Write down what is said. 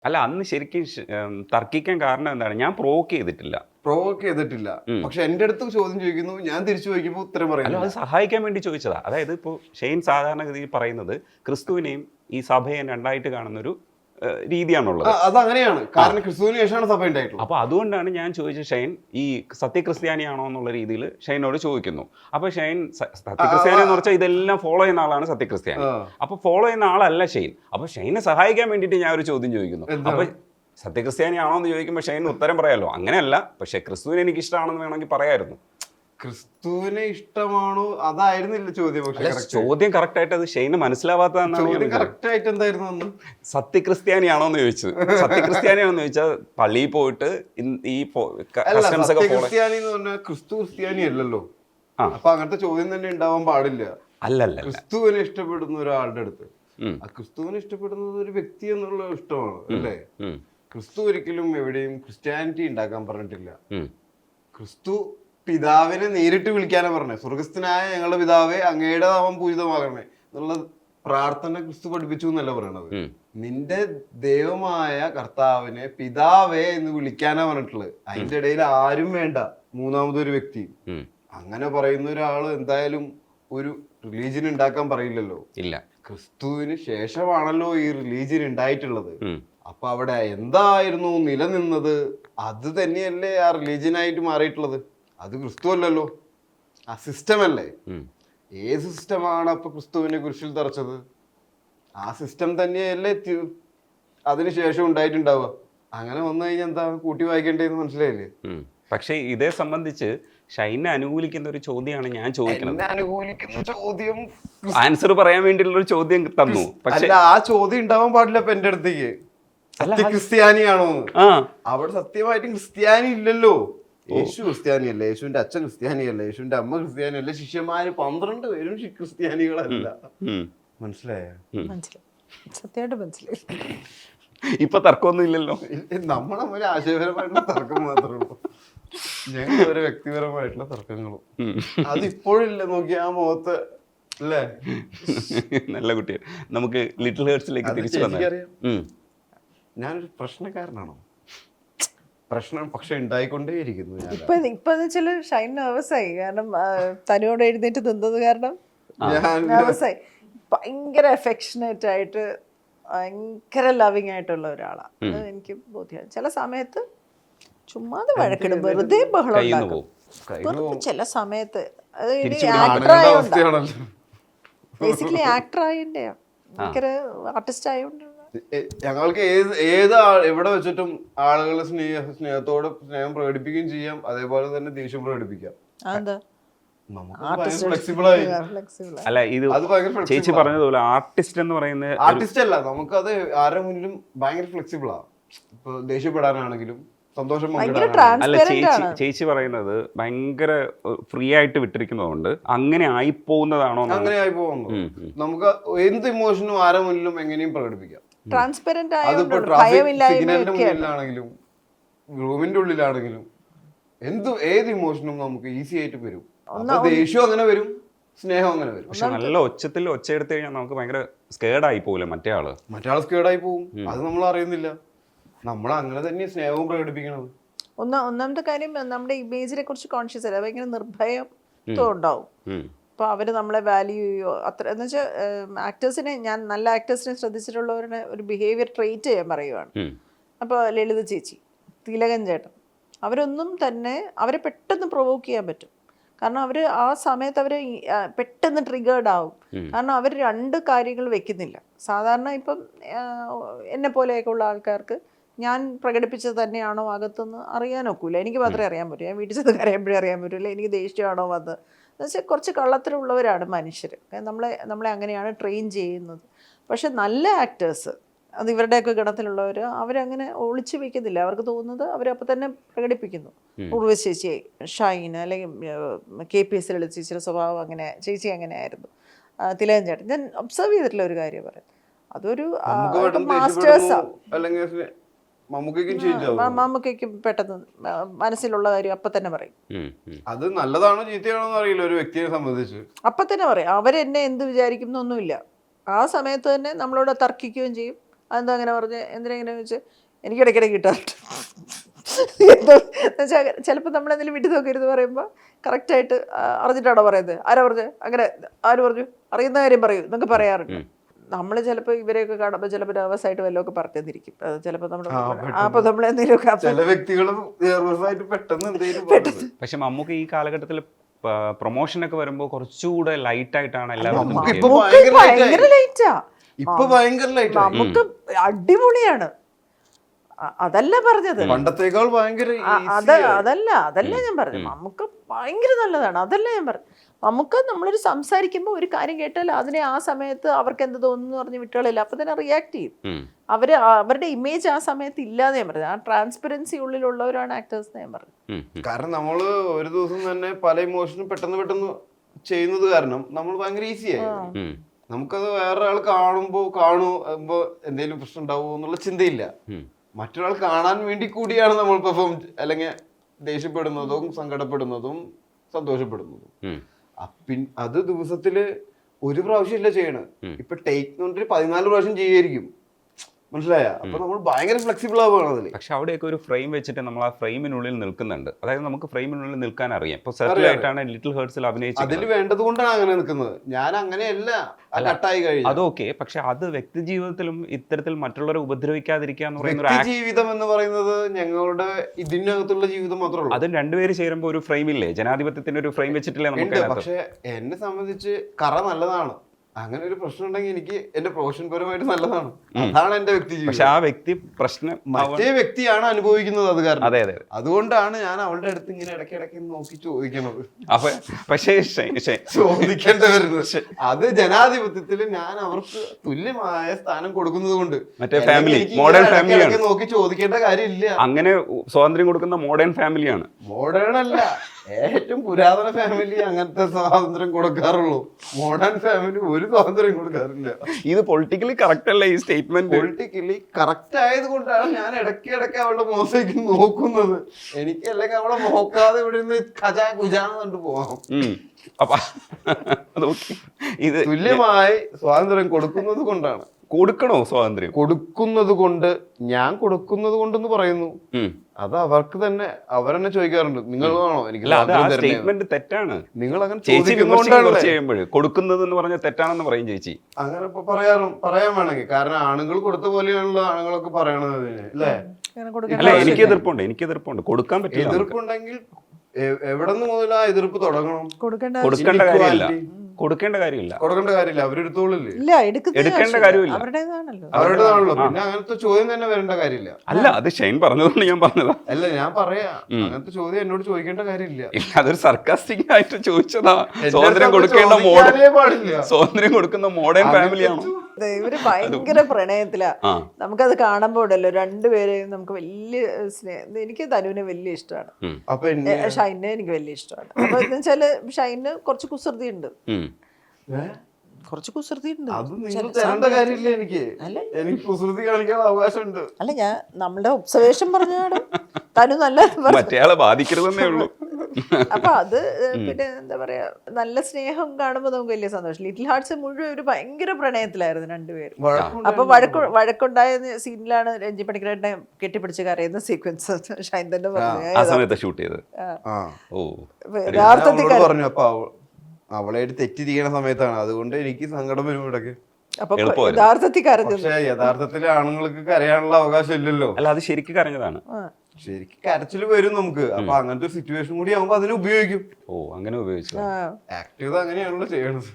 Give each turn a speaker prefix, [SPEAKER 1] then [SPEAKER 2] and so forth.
[SPEAKER 1] അല്ല അന്ന് ശരിക്കും തർക്കിക്കാൻ കാരണം എന്താണ്? ഞാൻ പ്രൊവോക്ക് ചെയ്തിട്ടില്ല.
[SPEAKER 2] പക്ഷെ എന്റെ അടുത്ത് ചോദ്യം ചോദിക്കുന്നു, ഞാൻ തിരിച്ചു ചോദിക്കുമ്പോൾ ഉത്തരം
[SPEAKER 1] അല്ല
[SPEAKER 2] പറയുന്നു.
[SPEAKER 1] അത് സഹായിക്കാൻ വേണ്ടി ചോദിച്ചതാ. അതായത് ഇപ്പോൾ ഷെയ്ൻ സാധാരണഗതിയിൽ പറയുന്നത് ക്രിസ്തുവിനെയും ഈ സഭയെയും രണ്ടായിട്ട് കാണുന്നൊരു രീതിയാണുള്ളത്.
[SPEAKER 2] അതങ്ങനെയാണ്, കാരണം ക്രിസ്തുവിന് ശേഷമാണ് സഭ ഉണ്ടായിട്ടുള്ളത്.
[SPEAKER 1] അപ്പോൾ അതുകൊണ്ടാണ് ഞാൻ ചോദിച്ച ഷെയ്ൻ ഈ സത്യക്രിസ്ത്യാനിയാണോ എന്നുള്ള രീതിയിൽ ഷെയ്നോട് ചോദിക്കുന്നു. അപ്പോൾ ഷെയ്ൻ സത്യക്രിസ്ത്യാനി എന്ന് പറഞ്ഞാൽ ഇതെല്ലാം ഫോളോ ചെയ്യുന്ന ആളാണ് സത്യക്രിസ്ത്യാനി. അപ്പോൾ ഫോളോ ചെയ്യുന്ന ആളല്ല ഷെയ്ൻ. അപ്പോൾ ഷെയ്നെ സഹായിക്കാൻ വേണ്ടിയിട്ട് ഞാൻ ഒരു ചോദ്യം ചോദിക്കുന്നു. അപ്പോൾ സത്യക്രിസ്ത്യാനിയാണോ എന്ന് ചോദിക്കുമ്പോൾ ഷെയ്ൻ ഉത്തരം പറയാമല്ലോ. അങ്ങനെയല്ല, പക്ഷേ ക്രിസ്തുവിനെ എനിക്ക് ഇഷ്ടമാണെന്ന് വേണമെങ്കിൽ പറയായിരുന്നു.
[SPEAKER 2] ക്രിസ്തുവിനെ ഇഷ്ടമാണോ അതായിരുന്നില്ല ചോദ്യം. പക്ഷേ
[SPEAKER 1] ചോദ്യം കറക്റ്റ് ആയിട്ട് അത് ഷെയ്ന് മനസ്സിലാവാത്തതാണ്.
[SPEAKER 2] കറക്റ്റ് ആയിട്ട് എന്തായിരുന്നു?
[SPEAKER 1] സത്യക്രിസ്ത്യാനിയാണോ എന്ന് ചോദിച്ചു. സത്യക്രിസ്ത്യാനിയാണോ എന്ന് ചോദിച്ചാൽ പള്ളിയിൽ പോയിട്ട് ഈ കസ്റ്റംസ് ഒക്കെ
[SPEAKER 2] ക്രിസ്ത്യാനി എന്ന് പറഞ്ഞാൽ ക്രിസ്തു ക്രിസ്ത്യാനി അല്ലല്ലോ. അപ്പൊ അങ്ങനത്തെ ചോദ്യം തന്നെ ഉണ്ടാവാൻ പാടില്ല.
[SPEAKER 1] അല്ലല്ല,
[SPEAKER 2] ക്രിസ്തുവിനെ ഇഷ്ടപ്പെടുന്ന ഒരാളുടെ അടുത്ത് ആ ക്രിസ്തുവിനെ ഇഷ്ടപ്പെടുന്നത് ഒരു വ്യക്തി എന്നുള്ള ഇഷ്ടമാണ് അല്ലേ? ക്രിസ്തു ഒരിക്കലും എവിടെയും ക്രിസ്ത്യാനിറ്റി ഉണ്ടാക്കാൻ പറഞ്ഞിട്ടില്ല. ക്രിസ്തു പിതാവിനെ നേരിട്ട് വിളിക്കാനാ പറഞ്ഞത്. സ്വർഗസ്ഥനായ ഞങ്ങളുടെ പിതാവേ, അങ്ങയുടെ നാമം പൂജിതമാകണമേ എന്നുള്ള പ്രാർത്ഥന ക്രിസ്തു പഠിപ്പിച്ചു എന്നല്ല പറയണത്. നിന്റെ ദൈവമായ കർത്താവിനെ പിതാവേ എന്ന് വിളിക്കാനാ പറഞ്ഞിട്ടുള്ളത്. അതിന്റെ ഇടയിൽ ആരും വേണ്ട, മൂന്നാമതൊരു വ്യക്തി. അങ്ങനെ പറയുന്ന ഒരാള് എന്തായാലും ഒരു റിലീജിയൻ ഉണ്ടാക്കാൻ പറയില്ലല്ലോ.
[SPEAKER 1] ഇല്ല,
[SPEAKER 2] ക്രിസ്തുവിന് ശേഷമാണല്ലോ ഈ റിലീജിയൻ ഉണ്ടായിട്ടുള്ളത്. അപ്പൊ അവിടെ എന്തായിരുന്നു നിലനിന്നത്, അത് തന്നെയല്ലേ ആ റിലീജിയനായിട്ട് മാറിയിട്ടുള്ളത്. അത് ക്രിസ്തു അല്ലല്ലോ, ആ സിസ്റ്റം അല്ലേ. ഏത് സിസ്റ്റമാണ് അപ്പൊ ക്രിസ്തുവിനെ കുരിശിൽ തറച്ചത്? ആ സിസ്റ്റം തന്നെയല്ലേ അതിനുശേഷം ഉണ്ടായിട്ടുണ്ടാവുക. അങ്ങനെ വന്നു കഴിഞ്ഞാൽ എന്താ കൂട്ടി വായിക്കേണ്ടതെന്ന് മനസ്സിലായില്ലേ?
[SPEAKER 1] പക്ഷെ ഇതേ സംബന്ധിച്ച് ഷൈനെ അനുകൂലിക്കുന്ന ഒരു ചോദ്യമാണ് ഞാൻ ചോദിക്കുന്നത്.
[SPEAKER 2] ചോദ്യം
[SPEAKER 1] ആൻസർ പറയാൻ വേണ്ടിയുള്ള ഒരു ചോദ്യം തന്നു. പക്ഷെ
[SPEAKER 2] ആ ചോദ്യം ഉണ്ടാവാൻ പാടില്ല. അപ്പൊ എന്റെ അടുത്തേക്ക് ക്രിസ്ത്യാനിയാണോ? അവിടെ സത്യമായിട്ടും ക്രിസ്ത്യാനി ഇല്ലല്ലോ. യേശു ക്രിസ്ത്യാനിയല്ല, യേശുവിന്റെ അച്ഛൻ ക്രിസ്ത്യാനിയല്ല, യേശുവിന്റെ അമ്മ ക്രിസ്ത്യാനിയല്ല, ശിഷ്യന്മാര് 12 പേരും ക്രിസ്ത്യാനികളല്ല. മനസ്സിലായോ?
[SPEAKER 3] സത്യമായിട്ട് മനസ്സിലായി.
[SPEAKER 1] ഇപ്പൊ തർക്കമൊന്നും ഇല്ലല്ലോ.
[SPEAKER 2] നമ്മളെ ആശയപരമായിട്ടുള്ള തർക്കം മാത്രമേ ഉള്ളൂ. ഞങ്ങൾ ഒരു വ്യക്തിപരമായിട്ടുള്ള തർക്കങ്ങളും അതിപ്പോഴില്ല. നോക്കി ആ മുഖത്ത് അല്ലേ.
[SPEAKER 1] നല്ല കുട്ടിയാണ്. നമുക്ക് ലിറ്റിൽ ഹേർട്സിലേക്ക് തിരിച്ചു വന്നാൽ
[SPEAKER 2] ഞാനൊരു പ്രശ്നക്കാരനാണോ? പ്രശ്നം പക്ഷെ ഉണ്ടായിക്കൊണ്ടേയിരിക്കുന്നു.
[SPEAKER 3] ഇപ്പൊ ഷൈൻ നെർവസ് ആയി. കാരണം തനിയോട് എഴുന്നേറ്റ് നിന്നത് കാരണം നെർവസ് ആയി. ഭയങ്കര അഫെക്ഷനേറ്റ് ആയിട്ട് ഭയങ്കര ലവിങ് ആയിട്ടുള്ള ഒരാളാണ്. അത് എനിക്ക് ബോധ്യമാണ്. ചില സമയത്ത് ചുമ്മാതെ വഴക്കിടും, വെറുതെ ബഹളം ഉണ്ടാക്കും. ചില സമയത്ത് അത് ഇനി ആക്ടർ ആയോണ്ടാ, ബേസിക്കലി ആക്ടർ ആയതിന്റെ ഭയങ്കര ആർട്ടിസ്റ്റ് ആയതുകൊണ്ട്
[SPEAKER 2] ഞങ്ങൾക്ക് എവിടെ വെച്ചിട്ടും ആളുകളെ സ്നേഹത്തോടെ സ്നേഹം പ്രകടിപ്പിക്കുകയും ചെയ്യാം, അതേപോലെ തന്നെ ദേഷ്യം പ്രകടിപ്പിക്കാം.
[SPEAKER 1] അല്ല, ഇത് ചേച്ചി പറഞ്ഞതുപോലെ ആർട്ടിസ്റ്റ് എന്ന് പറയുന്നത്
[SPEAKER 2] ആർട്ടിസ്റ്റ് അല്ല, നമുക്കത് ആരുടെ മുന്നിലും ഭയങ്കര ഫ്ലെക്സിബിളാ. ഇപ്പൊ ദേഷ്യപ്പെടാനാണെങ്കിലും സന്തോഷം
[SPEAKER 1] അല്ല, ചേച്ചി പറയുന്നത് ഭയങ്കര ഫ്രീ ആയിട്ട് വിട്ടിരിക്കുന്നതുകൊണ്ട് അങ്ങനെ ആയിപ്പോകുന്നതാണോ?
[SPEAKER 2] അങ്ങനെ ആയി പോകുന്നു. നമുക്ക് എന്ത് ഇമോഷനും ആരുടെ മുന്നിലും എങ്ങനെയും പ്രകടിപ്പിക്കാം.
[SPEAKER 3] ട്രാൻസ്പെറന്റ്
[SPEAKER 2] അതിപ്പോ ട്രാഫിക് സിഗ്നലിന്റെ മുന്നിലാണെങ്കിലും റൂമിന്റെ ഉള്ളിലാണെങ്കിലും ഏത് ഇമോഷനും നമുക്ക് ഈസി ആയിട്ട് വരും. ദേഷ്യം അങ്ങനെ വരും, സ്നേഹം അങ്ങനെ വരും.
[SPEAKER 1] പക്ഷെ നല്ല ഒച്ചത്തിൽ ഒച്ചയെടുത്ത് കഴിഞ്ഞാൽ നമുക്ക് ഭയങ്കര സ്കേർഡായി പോകില്ല മറ്റേ ആള്
[SPEAKER 2] സ്കേർഡായി പോകും. അത് നമ്മൾ അറിയുന്നില്ല. നമ്മൾ അങ്ങനെ തന്നെ സ്നേഹവും പ്രകടിപ്പിക്കണത്.
[SPEAKER 3] ഒന്നാമത്തെ കാര്യം നമ്മുടെ ഇമേജിനെ കുറിച്ച് കോൺഷ്യസ് അല്ല, ഭയങ്കര നിർഭയം ഉണ്ടാവും. അപ്പോൾ അവർ നമ്മളെ വാല്യൂ ചെയ്യോ അത്ര എന്ന് വെച്ചാൽ ആക്ടേഴ്സിനെ, ഞാൻ നല്ല ആക്ടേഴ്സിനെ ശ്രദ്ധിച്ചിട്ടുള്ളവരുടെ ഒരു ബിഹേവിയർ ട്രെയിറ്റ് ചെയ്യാൻ പറയുവാണ്. അപ്പോൾ ലളിത ചേച്ചി, തിലകൻ ചേട്ടൻ, അവരൊന്നും തന്നെ അവരെ പെട്ടെന്ന് പ്രൊവോക്ക് ചെയ്യാൻ പറ്റും. കാരണം അവർ ആ സമയത്ത് അവർ പെട്ടെന്ന് ട്രിഗേർഡ് ആവും. കാരണം അവർ രണ്ട് കാര്യങ്ങൾ വെക്കുന്നില്ല. സാധാരണ ഇപ്പം എന്നെ പോലെയൊക്കെ ഉള്ള ആൾക്കാർക്ക് ഞാൻ പ്രകടിപ്പിച്ചത് തന്നെയാണോ അകത്തുനിന്ന് അറിയാനൊക്കില്ല. എനിക്ക് മാത്രമേ അറിയാൻ പറ്റൂ. ഞാൻ വീട്ടിൽ ചെന്ന് കരയുമ്പോഴേ അറിയാൻ പറ്റില്ല എനിക്ക് ദേഷ്യമാണോ വന്ന്. എന്നുവെച്ചാൽ കുറച്ച് കള്ളത്തിലുള്ളവരാണ് മനുഷ്യർ. നമ്മളെ അങ്ങനെയാണ് ട്രെയിൻ ചെയ്യുന്നത്. പക്ഷെ നല്ല ആക്ടേഴ്സ്, അത് ഇവരുടെയൊക്കെ ഗണത്തിലുള്ളവർ, അവരങ്ങനെ ഒളിച്ചു വെക്കുന്നില്ല. അവർക്ക് തോന്നുന്നത് അവരപ്പോൾ തന്നെ പ്രകടിപ്പിക്കുന്നു. ഉർവശി ചേച്ചി, ഷൈൻ, അല്ലെങ്കിൽ KPS ലളിത ചേച്ചിയുടെ സ്വഭാവം അങ്ങനെ, ചേച്ചി അങ്ങനെയായിരുന്നു. തിലകൻ ചേട്ടൻ, ഞാൻ ഒബ്സർവ് ചെയ്തിട്ടുള്ള ഒരു കാര്യം പറയാം, അതൊരു മാസ്റ്റേഴ്സാണ്. മമ്മൂക്കും പെട്ടെന്ന് മനസ്സിലുള്ള കാര്യം അപ്പൊ തന്നെ പറയും.
[SPEAKER 2] അത് നല്ലതാണോ ചീത്തയാണോ അറിയില്ല ഒരു വ്യക്തിയെ സംബന്ധിച്ച്.
[SPEAKER 3] അപ്പൊ തന്നെ പറയും. അവരെന്നെ എന്ത് വിചാരിക്കുന്നൊന്നുമില്ല. ആ സമയത്ത് തന്നെ നമ്മളോട് തർക്കിക്കുകയും ചെയ്യും, അതെന്താ അങ്ങനെ പറഞ്ഞ് എന്തിനാ ഇങ്ങനെ ചോദിച്ചു എനിക്ക് ഇടയ്ക്കിടയ്ക്ക് കിട്ടാറുണ്ട്. എന്തോ എന്നുവെച്ചാൽ ചിലപ്പോൾ നമ്മളെന്തെങ്കിലും വിട്ടു നോക്കരുത് പറയുമ്പോൾ കറക്റ്റായിട്ട് അറിഞ്ഞിട്ടാണോ പറയുന്നത്, ആരാ പറഞ്ഞു, അങ്ങനെ ആര് പറഞ്ഞു, അറിയുന്ന കാര്യം പറയൂ എന്നൊക്കെ പറയാറുണ്ട്. നമ്മൾ ചിലപ്പോൾ ഇവരെയൊക്കെ കാണുമ്പോൾ ചിലപ്പോൾ നെർവസ് ആയിട്ട് വല്ലതൊക്കെ പറഞ്ഞിരിക്കും. അത് ചിലപ്പോൾ നമ്മൾ അപ്പോൾ നമ്മൾ എന്തെങ്കിലുമൊക്കെ
[SPEAKER 2] ചില വ്യക്തികളും പെട്ടെന്ന് എന്തെങ്കിലും
[SPEAKER 1] പക്ഷെ മമ്മൂക്ക് ഈ കാലഘട്ടത്തിൽ പ്രൊമോഷനൊക്കെ വരുമ്പോൾ കുറച്ചുകൂടെ ലൈറ്റ് ആയിട്ടാണ് എല്ലാവരും
[SPEAKER 3] ഭയങ്കര ലൈറ്റാ.
[SPEAKER 2] ഇപ്പൊ ഭയങ്കര ലൈറ്റ്,
[SPEAKER 3] നമുക്ക് അടിപൊളിയാണ്. അതല്ല പറഞ്ഞത്,
[SPEAKER 2] പണ്ടത്തേക്കാൾ ഭയങ്കര
[SPEAKER 3] അതല്ല ഞാൻ പറഞ്ഞു. നമുക്ക് ഭയങ്കര നല്ലതാണ്, അതല്ല ഞാൻ പറഞ്ഞു. നമുക്ക് നമ്മളൊരു സംസാരിക്കുമ്പോൾ ഒരു കാര്യം കേട്ടാൽ അതിനെ ആ സമയത്ത് അവർക്ക് എന്ത് തോന്നുന്നു പറഞ്ഞ് വിട്ടുകളില്ല, അപ്പൊ തന്നെ റിയാക്ട് ചെയ്യും. അവരുടെ ഇമേജ് ആ സമയത്ത് ഇല്ലാതെ ഞാൻ പറഞ്ഞു. ആ ട്രാൻസ്പെറൻസി ഉള്ളിലുള്ളവരാണ് ആക്ടേഴ്സ് ഞാൻ പറഞ്ഞു.
[SPEAKER 2] കാരണം നമ്മള് ഒരു ദിവസം തന്നെ പല ഇമോഷനും പെട്ടെന്ന് ചെയ്യുന്നത് കാരണം നമ്മൾ ഭയങ്കര ഈസിയായി. നമുക്കത് വേറൊരാൾ കാണുമ്പോ എന്തെങ്കിലും പ്രശ്നം ഉണ്ടാവുമോ എന്നുള്ള ചിന്തയില്ല. മറ്റൊരാൾ കാണാൻ വേണ്ടി കൂടിയാണ് നമ്മൾ പെർഫോം അല്ലെങ്കിൽ ദേഷ്യപ്പെടുന്നതും സങ്കടപ്പെടുന്നതും സന്തോഷപ്പെടുന്നതും. അത് ദിവസത്തില് ഒരു പ്രാവശ്യം ഇല്ല ചെയ്യണത്. ഇപ്പൊ ടേക്ക് 14 പ്രാവശ്യം ചെയ്യായിരിക്കും, മനസ്സിലായ? അപ്പൊ നമ്മൾ ഭയങ്കര ഫ്ലെക്സിബിൾ ആവുകയാണ് അതിൽ.
[SPEAKER 1] പക്ഷെ അവിടെയൊക്കെ ഒരു ഫ്രെയിം വെച്ചിട്ട് നമ്മൾ ആ ഫ്രെയിമിനുള്ളിൽ നിൽക്കുന്നുണ്ട്. അതായത് നമുക്ക് ഫ്രെയിമിനുള്ളിൽ നിൽക്കാൻ അറിയാം. ഇപ്പൊ സെറ്റിൽ ആയിട്ടാണ് ലിറ്റിൽ ഹേർട്സിൽ അഭിനയിച്ചത്.
[SPEAKER 2] അതിൽ വേണ്ടത് കൊണ്ടാണ് അങ്ങനെ നിൽക്കുന്നത്. ഞാൻ അങ്ങനെയല്ല, കട്ടായി കഴിഞ്ഞു.
[SPEAKER 1] അതൊക്കെ പക്ഷെ അത് വ്യക്തി ജീവിതത്തിലും ഇത്തരത്തിൽ മറ്റുള്ളവരെ ഉപദ്രവിക്കാതിരിക്കുക എന്ന് പറയുന്ന
[SPEAKER 2] വ്യക്തി ജീവിതം എന്ന് പറയുന്നത് ഞങ്ങളുടെ ഇതിനകത്തുള്ള ജീവിതം മാത്രമേ ഉള്ളൂ.
[SPEAKER 1] അത് രണ്ടുപേര് ചേരുമ്പോൾ ഒരു ഫ്രെയിമില്ലേ, ജനാധിപത്യത്തിന്റെ ഒരു ഫ്രെയിം വെച്ചിട്ടില്ലേ നമുക്ക്.
[SPEAKER 2] പക്ഷെ എന്നെ സംബന്ധിച്ച് കറ നല്ലതാണ്. അങ്ങനെ ഒരു പ്രശ്നം ഉണ്ടെങ്കിൽ എനിക്ക് എന്റെ പ്രൊഫഷൻ പരമായിട്ട് നല്ലതാണ്. അതാണ് എന്റെ വ്യക്തി ജീവിതം.
[SPEAKER 1] പക്ഷെ ആ വ്യക്തി പ്രശ്നം
[SPEAKER 2] മറ്റേ വ്യക്തിയാണ് അനുഭവിക്കുന്നത്. അത് കാരണം
[SPEAKER 1] അതെ അതെ
[SPEAKER 2] അതുകൊണ്ടാണ് ഞാൻ അവളുടെ അടുത്ത് ഇങ്ങനെ ഇടയ്ക്കിടയ്ക്ക് നോക്കി ചോദിക്കുന്നത്.
[SPEAKER 1] അപ്പൊ പക്ഷേ
[SPEAKER 2] ചോദിക്കേണ്ടി വരുന്നത് അത് ജനാധിപത്യത്തിൽ ഞാൻ അവർക്ക് തുല്യമായ സ്ഥാനം കൊടുക്കുന്നത് കൊണ്ട്
[SPEAKER 1] മറ്റേ ഫാമിലി മോഡേൺ ഫാമിലിയാണ്.
[SPEAKER 2] നോക്കി ചോദിക്കേണ്ട കാര്യമില്ല.
[SPEAKER 1] അങ്ങനെ സ്വാതന്ത്ര്യം കൊടുക്കുന്ന മോഡേൺ ഫാമിലിയാണ്.
[SPEAKER 2] മോഡേൺ അല്ല, ഏറ്റവും പുരാതന ഫാമിലി അങ്ങനത്തെ സ്വാതന്ത്ര്യം കൊടുക്കാറുള്ളൂ. മോഡേൺ ഫാമിലി ഒരു സ്വാതന്ത്ര്യം കൊടുക്കാറില്ല.
[SPEAKER 1] ഇത് പൊളിറ്റിക്കലി കറക്റ്റ് അല്ല ഈ സ്റ്റേറ്റ്മെന്റ്.
[SPEAKER 2] പൊളിറ്റിക്കലി കറക്റ്റ് ആയത് കൊണ്ടാണ് ഞാൻ ഇടയ്ക്കിടയ്ക്ക് അവളുടെ മോശയ്ക്ക് നോക്കുന്നത്. എനിക്ക് അല്ലെങ്കിൽ അവളെ നോക്കാതെ ഇവിടെ നിന്ന് ഖജാ കുജാന്ന് കണ്ടു പോവാം.
[SPEAKER 1] അപ്പൊ ഇത്
[SPEAKER 2] തുല്യമായി സ്വാതന്ത്ര്യം കൊടുക്കുന്നത് കൊണ്ടാണ്.
[SPEAKER 1] കൊടുക്കണോ സ്വാതന്ത്ര്യം?
[SPEAKER 2] കൊടുക്കുന്നത് കൊണ്ട്, ഞാൻ കൊടുക്കുന്നത് കൊണ്ടെന്ന് പറയുന്നു. അത് അവർക്ക് തന്നെ അവരെന്നെ ചോദിക്കാറുണ്ട്, നിങ്ങളാണോ എനിക്ക്
[SPEAKER 1] സ്റ്റേറ്റ്മെന്റ് തെറ്റാണ്.
[SPEAKER 2] നിങ്ങൾ അങ്ങനെ
[SPEAKER 1] കൊടുക്കുന്നത് എന്ന് പറഞ്ഞാൽ തെറ്റാണെന്ന് പറയും ചേച്ചി.
[SPEAKER 2] അങ്ങനെ ഇപ്പൊ പറയാൻ വേണമെങ്കിൽ, കാരണം ആണുങ്ങൾ കൊടുത്ത പോലെയാണല്ലോ ആണുങ്ങളൊക്കെ പറയണത് അല്ലേ?
[SPEAKER 1] അല്ല, എനിക്ക് എതിർപ്പുണ്ട്. കൊടുക്കാൻ പറ്റില്ല.
[SPEAKER 2] എതിർപ്പുണ്ടെങ്കിൽ എവിടെ നിന്ന് മുതൽ ആ എതിർപ്പ് തുടങ്ങണം?
[SPEAKER 1] കൊടുക്കേണ്ട കാര്യമില്ല.
[SPEAKER 2] അവരെടുത്തോളില്ലേ?
[SPEAKER 1] എടുക്കേണ്ട കാര്യമില്ല.
[SPEAKER 2] അവരുടേതാണല്ലോ. പിന്നെ അങ്ങനത്തെ ചോദ്യം തന്നെ വരേണ്ട കാര്യമില്ല.
[SPEAKER 1] അല്ല, അത് ഷൈൻ പറഞ്ഞതുകൊണ്ട് ഞാൻ പറഞ്ഞതാ.
[SPEAKER 2] അല്ല, ഞാൻ പറയാ അങ്ങനത്തെ ചോദ്യം എന്നോട് ചോദിക്കേണ്ട കാര്യമില്ല.
[SPEAKER 1] അതൊരു സർക്കാസ്റ്റിക് ആയിട്ട് ചോദിച്ചതാ. സ്വാതന്ത്ര്യം കൊടുക്കുന്ന മോഡേൺ ഫാമിലിയാണോ?
[SPEAKER 3] ഇവര് ഭയങ്കര പ്രണയത്തിലാ. നമുക്കത് കാണുമ്പോ ഉണ്ടല്ലോ രണ്ടുപേരെയും നമുക്ക് വലിയ സ്നേഹം. എനിക്ക് തനുവിനെ വലിയ ഇഷ്ടമാണ്, ഷൈനെ എനിക്ക് വലിയ ഇഷ്ടമാണ്. അപ്പൊ എന്ന് വെച്ചാല് ഷൈന് കുറച്ച് കുസൃതി ഉണ്ട്. അല്ല, ഞാൻ നമ്മളുടെ ഒബ്സർവേഷൻ പറഞ്ഞാണ്. തനു നല്ല
[SPEAKER 1] മറ്റേയാളെ ബാധിക്കരുതെന്നേ ഉള്ളൂ.
[SPEAKER 3] അപ്പൊ അത് പിന്നെ എന്താ പറയാ, നല്ല സ്നേഹം കാണുമ്പോ നമുക്ക് വലിയ സന്തോഷം. ലിറ്റിൽ ഹാർട്സ് മുഴുവൻ ഒരു ഭയങ്കര പ്രണയത്തിലായിരുന്നു രണ്ടുപേരും. അപ്പൊ വഴക്കുണ്ടായ സീനിലാണ് രഞ്ജി പണിക്കരേട്ടനെ കെട്ടിപ്പിടിച്ച് കരയുന്ന സീക്വൻസ് ഷൈൻ തന്നെ പറഞ്ഞു
[SPEAKER 1] ഷൂട്ട് ചെയ്ത്.
[SPEAKER 3] യഥാർത്ഥത്തിൽ
[SPEAKER 2] പറഞ്ഞു. അപ്പൊ അവളായിട്ട് തെറ്റിരിക്കണ സമയത്താണ്, അതുകൊണ്ട് എനിക്ക് സങ്കടം വരും ഇടയ്ക്ക്.
[SPEAKER 3] യഥാർത്ഥത്തിൽ കരഞ്ഞു.
[SPEAKER 2] പക്ഷെ യഥാർത്ഥത്തിൽ ആണുങ്ങൾക്ക് കരയാനുള്ള അവകാശം ഇല്ലല്ലോ.
[SPEAKER 1] അല്ല, അത് ശരിക്കും കരഞ്ഞതാണ്.
[SPEAKER 2] ശരിക്കും കരച്ചിൽ വരും നമുക്ക്. അപ്പൊ അങ്ങനത്തെ ഒരു സിറ്റുവേഷൻ കൂടി ആവുമ്പോ അതിനെ ഉപയോഗിക്കും.
[SPEAKER 1] അങ്ങനെ ഉപയോഗിച്ചു.
[SPEAKER 2] ആക്ട് ചെയ്ത് അങ്ങനെയാണല്ലോ ചെയ്യണത്.